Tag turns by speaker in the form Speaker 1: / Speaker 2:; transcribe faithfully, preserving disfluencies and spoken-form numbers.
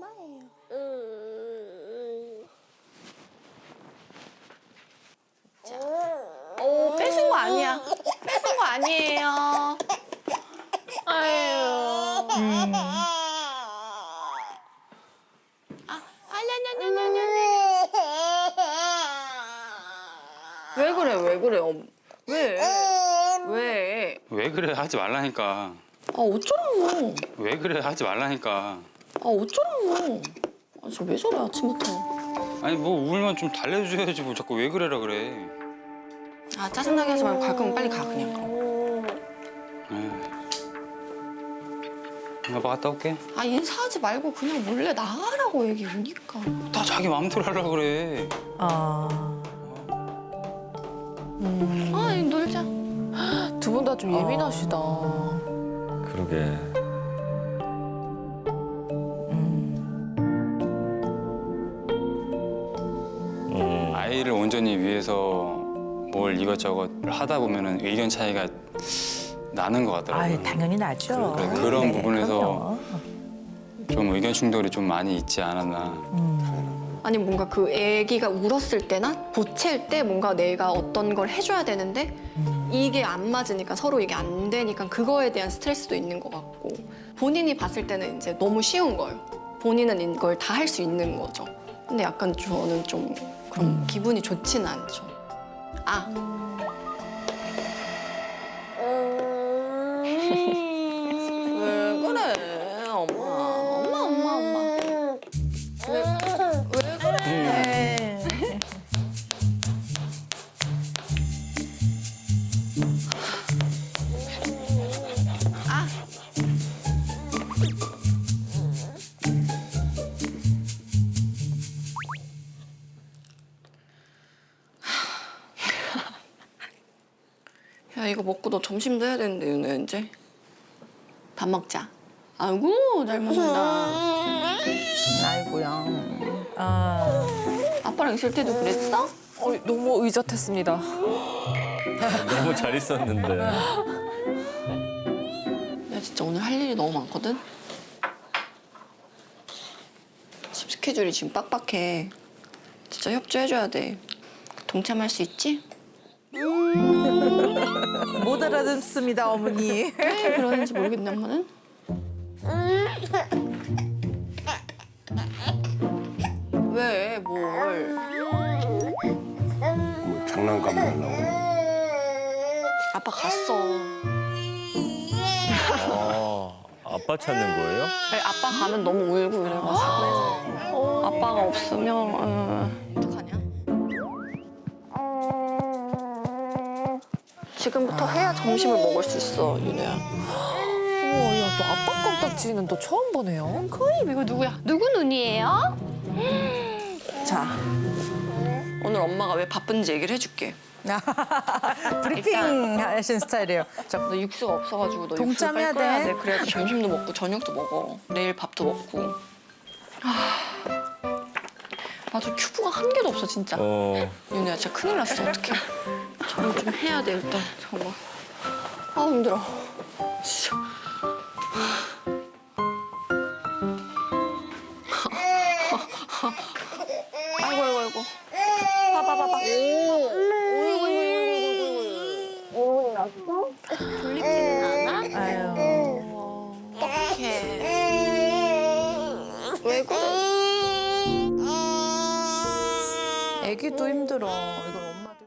Speaker 1: 엄마예요. 자, 오 뺏은 거 아니야. 뺏은 거 아니에요. 아유. 음. 아, 아냐냐냐냐냐. 왜 그래? 왜 그래? 엄. 왜? 왜?
Speaker 2: 왜 그래 하지 말라니까.
Speaker 1: 아 어쩌라고?
Speaker 2: 왜 그래 하지 말라니까.
Speaker 1: 아 어쩌라고? 아 저 왜 저래 아침부터?
Speaker 2: 아니 뭐 울면 좀 달래줘야지 뭐 자꾸 왜 그래라 그래.
Speaker 1: 아 짜증나게 하지 말고 갈 거면 빨리 가 그냥.
Speaker 2: 에이. 아빠 갔다 올게.
Speaker 1: 아 인사하지 말고 그냥 몰래 나가라고 얘기 오니까.
Speaker 2: 다 자기 마음대로 하려고 그래.
Speaker 3: 아. 음.
Speaker 1: 아 이거 놀자.
Speaker 3: 두 분 다 좀 예민하시다.
Speaker 4: 그러게. 음.
Speaker 2: 아이를 온전히 위해서 뭘 이것저것 하다 보면은 의견 차이가 나는 것 같더라고요.
Speaker 5: 아이, 당연히 나죠.
Speaker 2: 그- 그런
Speaker 5: 네,
Speaker 2: 부분에서
Speaker 5: 그럼요.
Speaker 2: 좀 의견 충돌이 좀 많이 있지 않았나.
Speaker 1: 아니 뭔가 그 애기가 울었을 때나 보챌 때 뭔가 내가 어떤 걸 해줘야 되는데 이게 안 맞으니까 서로 이게 안 되니까 그거에 대한 스트레스도 있는 것 같고 본인이 봤을 때는 이제 너무 쉬운 거예요. 본인은 이걸 다 할 수 있는 거죠. 근데 약간 저는 좀 그런 기분이 좋지는 않죠. 아. 왜 그래, 엄마. 엄마, 엄마, 엄마. 왜, 왜 그래?
Speaker 5: 네.
Speaker 1: 아. 야, 이거 먹고 너 점심도 해야 되는데, 윤혜, 이제. 밥 먹자. 아이고, 잘 먹는다.
Speaker 5: 아이고야. 아.
Speaker 1: 아빠랑 있을 때도 그랬어?
Speaker 3: 어, 너무 의젓했습니다.
Speaker 4: 너무 잘 있었는데.
Speaker 1: 야, 진짜 오늘 할 일이 너무 많거든? 집 스케줄이 지금 빡빡해. 진짜 협조해줘야 돼. 동참할 수 있지?
Speaker 5: 못 알아듣습니다, 어머니.
Speaker 1: 왜 그러는지 모르겠네, 엄마는. 왜, 뭘.
Speaker 6: 뭐 장난감 달라고.
Speaker 1: 아빠 갔어.
Speaker 4: 아, 아빠 찾는 거예요?
Speaker 1: 아니, 아빠 가면 너무 울고 이래가지고. 아빠가 없으면, 어, 어떡하냐? 지금부터 해야 점심을 먹을 수 있어, 윤혜야.
Speaker 3: 우와, 야, 또 아빠 껌딱지는 또 처음 보네요.
Speaker 1: 코입 이거 누구야? 누구 눈이에요? 자, 오늘 엄마가 왜 바쁜지 얘기를 해줄게.
Speaker 5: 브리핑 하신 스타일이에요. 저,
Speaker 1: 너 육수가 없어가지고 너
Speaker 5: 동참해야
Speaker 1: 육수 빨리 끓여야
Speaker 5: 돼.
Speaker 1: 돼. 그래야지 점심도 먹고 저녁도 먹어. 내일 밥도 먹고. 아, 맞아 큐브가 한 개도 없어 진짜.
Speaker 4: 어.
Speaker 1: 윤혜야 진짜 큰일 났어 어떡해. 저녁 좀 해야 돼 일단 잠깐만. 아 힘들어. 진짜. 아이고 아이고 아이고. 봐봐 봐봐. 졸립지는 않아?
Speaker 5: 아유.
Speaker 1: 어떡해. 왜 그래?
Speaker 5: 애기도 힘들어. 이건 엄마도.